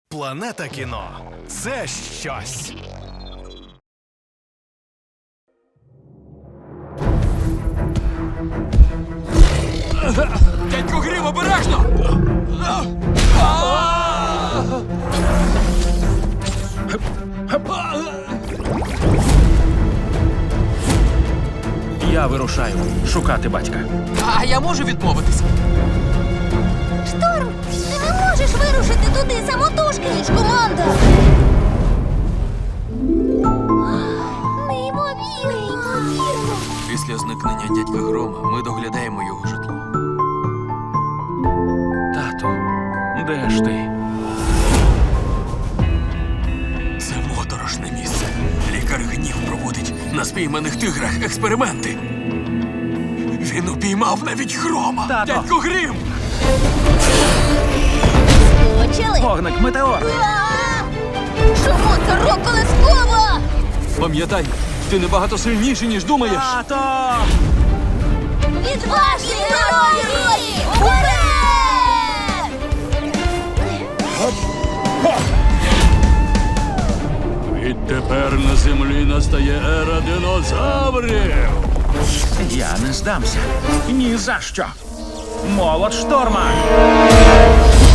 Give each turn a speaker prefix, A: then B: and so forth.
A: Планета кіно – це щось.
B: Дядько Грім, обережно!
C: Я вирушаю шукати батька.
B: А я можу відмовитись?
D: Шторм, ти не можеш вирушити туди самотужки, ніж команда. Неймовірно.
B: Після зникнення дядька Грома ми доглядаємо його житло.
C: Тату, де ж ти?
B: Це моторошне місце. Лікар Гнів проводить на спійманих тиграх експерименти. Він упіймав навіть Грома.
C: Тато!
B: Дядько Грім!
D: Почали.
C: Вогник метеор!
D: Чому це рок-колескова?
B: Пам'ятай, ти набагато сильніший, ніж думаєш.
C: Тато!
D: Відважні герої! Уперед!
E: Відтепер на землі настає ера динозаврів.
C: Я не здамся. Ні за що. Молот шторма!